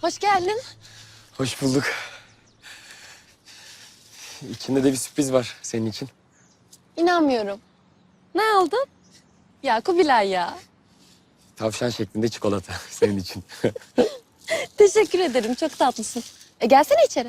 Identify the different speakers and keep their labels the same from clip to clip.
Speaker 1: Hoş geldin.
Speaker 2: Hoş bulduk. İçinde de bir sürpriz var senin için.
Speaker 1: İnanmıyorum. Ne aldın? Ya Kubilay ya.
Speaker 2: Tavşan şeklinde çikolata senin için.
Speaker 1: Teşekkür ederim. Çok tatlısın. Gelsene içeri.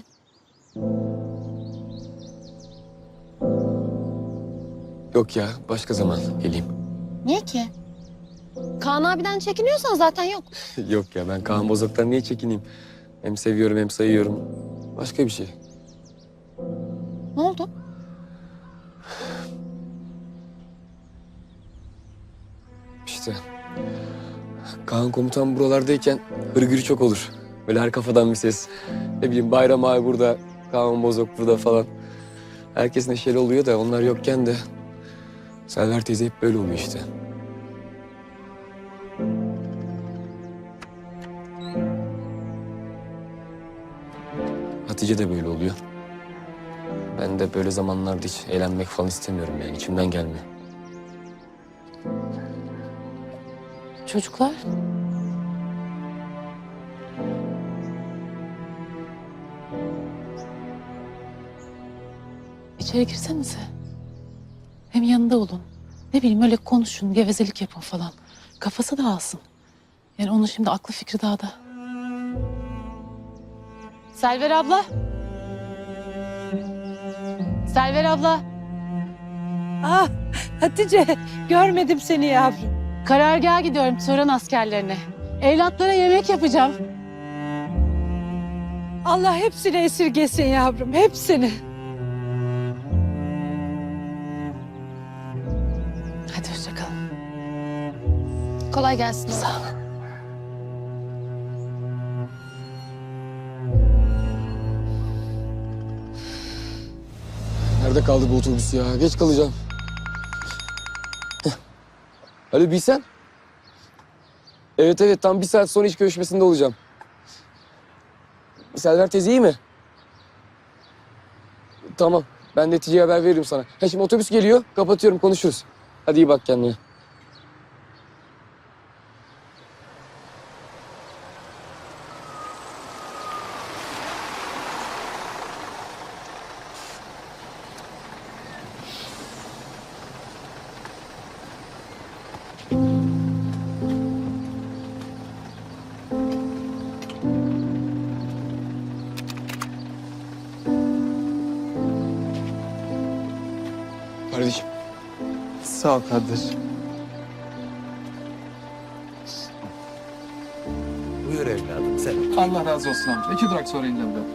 Speaker 2: Yok ya, başka zaman geleyim.
Speaker 1: Niye ki? Kaan abiden çekiniyorsan zaten yok.
Speaker 2: Yok ya, ben Kaan Bozok'tan niye çekineyim? Hem seviyorum hem sayıyorum. Başka bir şey.
Speaker 1: Ne oldu?
Speaker 2: İşte Kaan komutan buralardayken hırgür çok olur. Böyle her kafadan bir ses. Ne bileyim Bayram abi burada, Kaan Bozok burada falan. Herkes neşeli oluyor da onlar yokken de Selver teyze hep böyle oluyor işte. Hatice de böyle oluyor. Ben de böyle zamanlarda hiç eğlenmek falan istemiyorum yani içimden gelmiyor.
Speaker 3: Çocuklar. İçeri girsenize. Hem yanında olun. Ne bileyim öyle konuşun, gevezelik yapın falan. Kafası dağılsın. Yani onun şimdi aklı fikri dağda. Selver abla. Selver abla.
Speaker 4: Ah Hatice, görmedim seni yavrum.
Speaker 3: Karargaha gidiyorum Turan askerlerine. Evlatlara yemek yapacağım.
Speaker 4: Allah hepsini esirgesin yavrum, hepsini.
Speaker 3: Hadi hoşça kalın.
Speaker 1: Kolay gelsin.
Speaker 3: Sağ ol.
Speaker 2: Nerede kaldı bu otobüs ya? Geç kalacağım. Heh. Alo Bilsen? Evet tam 1 saat sonra iş görüşmesinde olacağım. Selver teyze iyi mi? Tamam. Ben neticeye haber veririm sana. Ha şimdi otobüs geliyor. Kapatıyorum konuşuruz. Hadi iyi bak kendine. Kardeşim.
Speaker 5: Sağ ol kardeş.
Speaker 6: Buyur evladım sen.
Speaker 5: Allah razı olsun amca. 2 durak sonra ineceğim ben.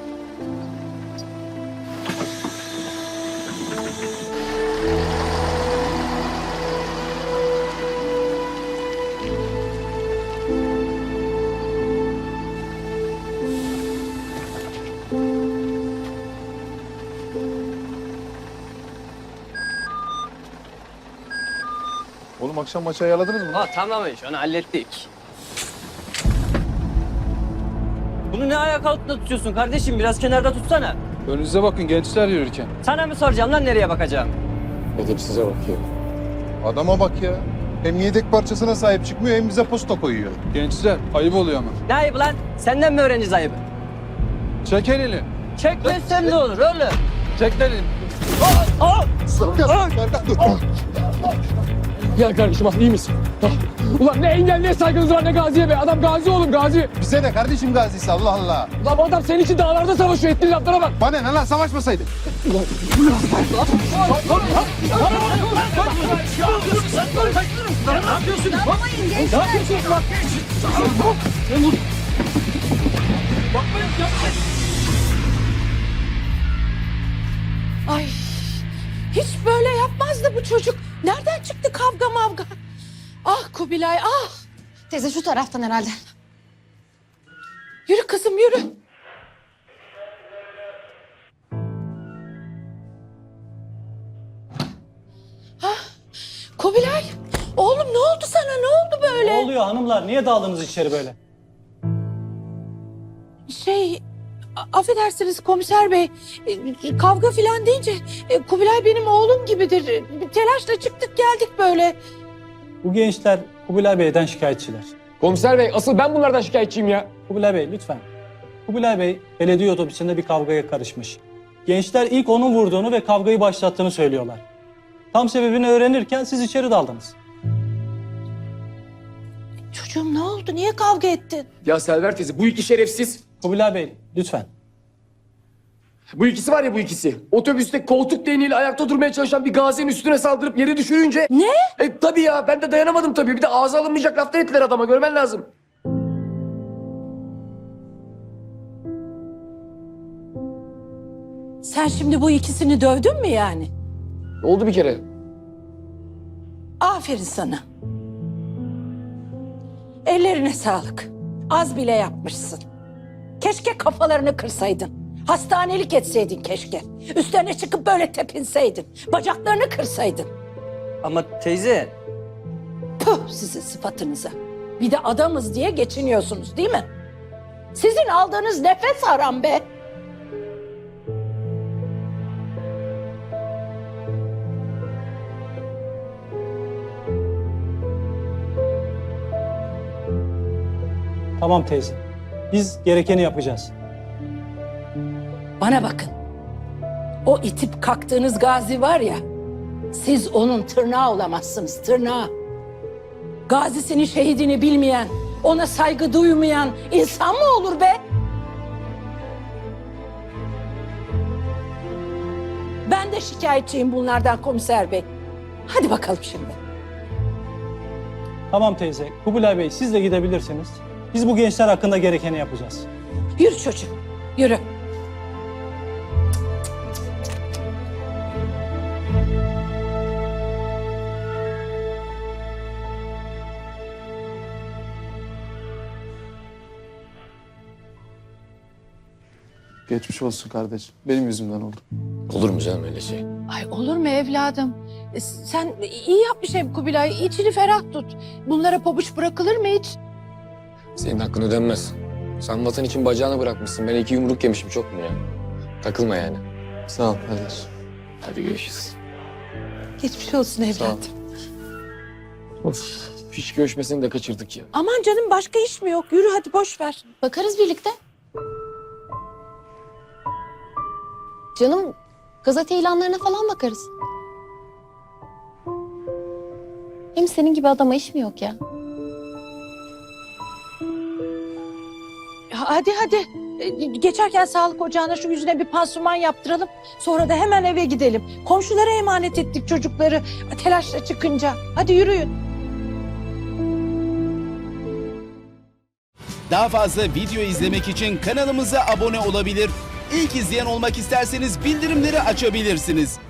Speaker 7: Oğlum akşam maçı ayarladınız mı?
Speaker 6: Ha tamam iş onu hallettik. Bunu ne ayak altında tutuyorsun kardeşim? Biraz kenarda tutsana.
Speaker 5: Önünüze bakın gençler yürürken.
Speaker 6: Sana mı soracağım lan nereye bakacağım?
Speaker 2: Edepsize bakıyor.
Speaker 7: Adama bak ya. Hem yedek parçasına sahip çıkmıyor hem bize posta koyuyor.
Speaker 5: Gençler ayıp oluyor ama.
Speaker 6: Ne ayıbı lan? Senden mi öğreneceğiz ayıbı?
Speaker 5: Çek elini.
Speaker 6: Çekmezsem ne olur oğlum?
Speaker 5: Çek elini.
Speaker 2: Gel kardeşim iyi misin? Ulan ne engel ne saygınız var ne gaziye be. Adam gazi oğlum gazi.
Speaker 7: Bize de kardeşim gazisi Allah Allah.
Speaker 2: Ulan bu adam senin için dağlarda savaşıyor. Ettiğin laflara bak.
Speaker 7: Bana ne lan savaşmasaydık.
Speaker 4: Ay, hiç böyle yapmazdı bu çocuk. Nereden çıktı kavga mavga? Ah Kubilay, ah.
Speaker 1: Teyze şu taraftan herhalde.
Speaker 4: Yürü kızım, yürü. Ah, Kubilay, oğlum ne oldu sana? Ne oldu böyle?
Speaker 8: Ne oluyor hanımlar? Niye daldınız içeri böyle?
Speaker 4: Affedersiniz komiser bey. Kavga filan deyince Kubilay benim oğlum gibidir. Telaşla çıktık geldik böyle.
Speaker 8: Bu gençler Kubilay Bey'den şikayetçiler.
Speaker 2: Komiser bey asıl ben bunlardan şikayetçiyim ya.
Speaker 8: Kubilay Bey lütfen. Kubilay Bey belediye otobüsünde bir kavgaya karışmış. Gençler ilk onun vurduğunu ve kavgayı başlattığını söylüyorlar. Tam sebebini öğrenirken siz içeri daldınız.
Speaker 4: Çocuğum ne oldu? Niye kavga ettin?
Speaker 2: Ya Selver teyze bu iki şerefsiz.
Speaker 8: Kubilay Bey lütfen.
Speaker 2: Bu ikisi var ya bu ikisi. Otobüste koltuk değneğiyle ayakta durmaya çalışan bir gazinin üstüne saldırıp yere düşürünce...
Speaker 4: Ne?
Speaker 2: Tabii ya ben de dayanamadım tabii. Bir de ağza alınmayacak laflar ettiler adama görmen lazım.
Speaker 4: Sen şimdi bu ikisini dövdün mü yani?
Speaker 2: Oldu bir kere.
Speaker 4: Aferin sana. Ellerine sağlık. Az bile yapmışsın. Keşke kafalarını kırsaydın. Hastanelik etseydin keşke. Üstlerine çıkıp böyle tepinseydin. Bacaklarını kırsaydın.
Speaker 6: Ama teyze
Speaker 4: Puh sizin sıfatınıza. Bir de adamız diye geçiniyorsunuz değil mi? Sizin aldığınız nefes haram be.
Speaker 8: Tamam teyze. Biz gerekeni yapacağız.
Speaker 4: Bana bakın. O itip kalktığınız Gazi var ya, siz onun tırnağı olamazsınız, tırnağı. Gazisini, şehidini bilmeyen, ona saygı duymayan insan mı olur be? Ben de şikayetçiyim bunlardan komiser bey. Hadi bakalım şimdi.
Speaker 8: Tamam teyze. Kubilay Bey siz de gidebilirsiniz. Biz bu gençler hakkında gerekeni yapacağız.
Speaker 4: Yürü çocuğum, yürü.
Speaker 7: Geçmiş olsun kardeşim. Benim yüzümden oldu.
Speaker 2: Olur mu canım öyle şey?
Speaker 4: Ay olur mu evladım? Sen iyi yapmış hem Kubilay. İçini ferah tut. Bunlara pabuç bırakılır mı hiç?
Speaker 2: Senin hakkın ödenmez. Sen vatan için bacağını bırakmışsın. Ben 2 yumruk yemişim çok mu ya? Takılma yani.
Speaker 7: Sağ ol kardeşim.
Speaker 2: Hadi görüşürüz.
Speaker 4: Geçmiş olsun evladım.
Speaker 2: Of. Fiş görüşmesini de kaçırdık ya.
Speaker 4: Aman canım başka iş mi yok? Yürü hadi boş ver.
Speaker 1: Bakarız birlikte. Canım gazete ilanlarına falan bakarız. Hem senin gibi adama iş mi yok ya?
Speaker 4: Hadi hadi. Geçerken sağlık ocağına şu yüzüne bir pansuman yaptıralım. Sonra da hemen eve gidelim. Komşulara emanet ettik çocukları telaşla çıkınca. Hadi yürüyün.
Speaker 9: Daha fazla video izlemek için kanalımıza abone olabilir. İlk izleyen olmak isterseniz bildirimleri açabilirsiniz.